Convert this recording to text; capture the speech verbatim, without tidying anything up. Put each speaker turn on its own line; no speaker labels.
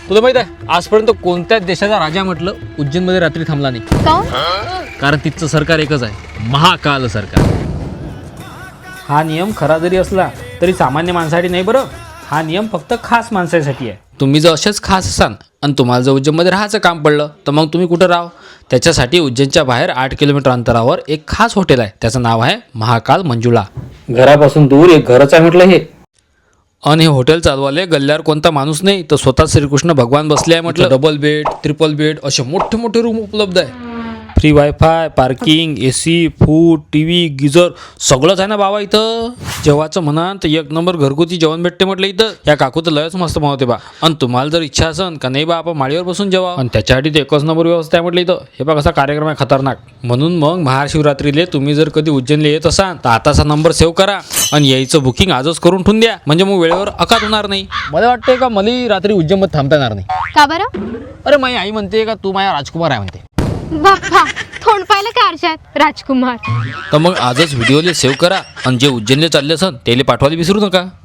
तुला माहित आहे आजपर्यंत कोणत्याच देशाचा राजा म्हटलं उज्जैनमध्ये रात्री थांबला नाही.
काऊन?
कारण तिथचं सरकार एकच आहे, महाकाल सरकार.
हा नियम खरा जरी असला तरी सामान्य माणसासाठी नाही बरं. हा नियम फक्त खास माणसासाठी आहे.
तुम्ही जर असेच खास असाल आणि तुम्हाला जर उज्जैनमध्ये राहायचं काम पडलं तर मग तुम्ही कुठं राहा. त्याच्यासाठी उज्जैनच्या बाहेर आठ किलोमीटर अंतरावर एक खास हॉटेल आहे, त्याचं नाव आहे महाकाल मंजुळा.
घरापासून दूर एक घरच आहे म्हटलं हे.
आणि हे हॉटेल चालवाले गल्ल्यावर कोणता माणूस नाही तर स्वतः श्रीकृष्ण भगवान बसले आहे म्हटलं. डबल बेड, ट्रिपल बेड असे मोठे मोठे रूम उपलब्ध आहे. Free wifi, parking, A C, food, T V, geyser सगळंच आहे ना बाबा इथं. जेवायचं म्हणा तर एक नंबर घरगुती जेवण भेटते म्हटलं इथं. या काकू तर लयच मस्त बनवते बा. आणि तुम्हाला जर इच्छा असेल का नाही बा आपण माळीवर बसून जेवा आणि त्याच्यासाठी ते एकच नंबर व्यवस्था आहे म्हटलं इथं. हे बघा कसा कार्यक्रम आहे खतरनाक. म्हणून मग महाशिवरात्रीले तुम्ही जर कधी उज्जैनला येत असाल तर आताचा नंबर सेव्ह करा आणि यायचं बुकिंग आजच करून ठेवून द्या, म्हणजे मग वेळेवर अकात होणार नाही. मला वाटतंय का मला रात्री उज्जैनमध्ये थांबता येणार नाही.
का बरं?
अरे माझी आई म्हणते का तू माझ्या राजकुमार आहे म्हणते.
बाप्पा, तोंड पाहिलं का आरशात राजकुमार?
तर मग आजच व्हिडिओले सेव्ह करा आणि जे उज्जैनला चालले असन त्याला पाठवायला विसरू नका.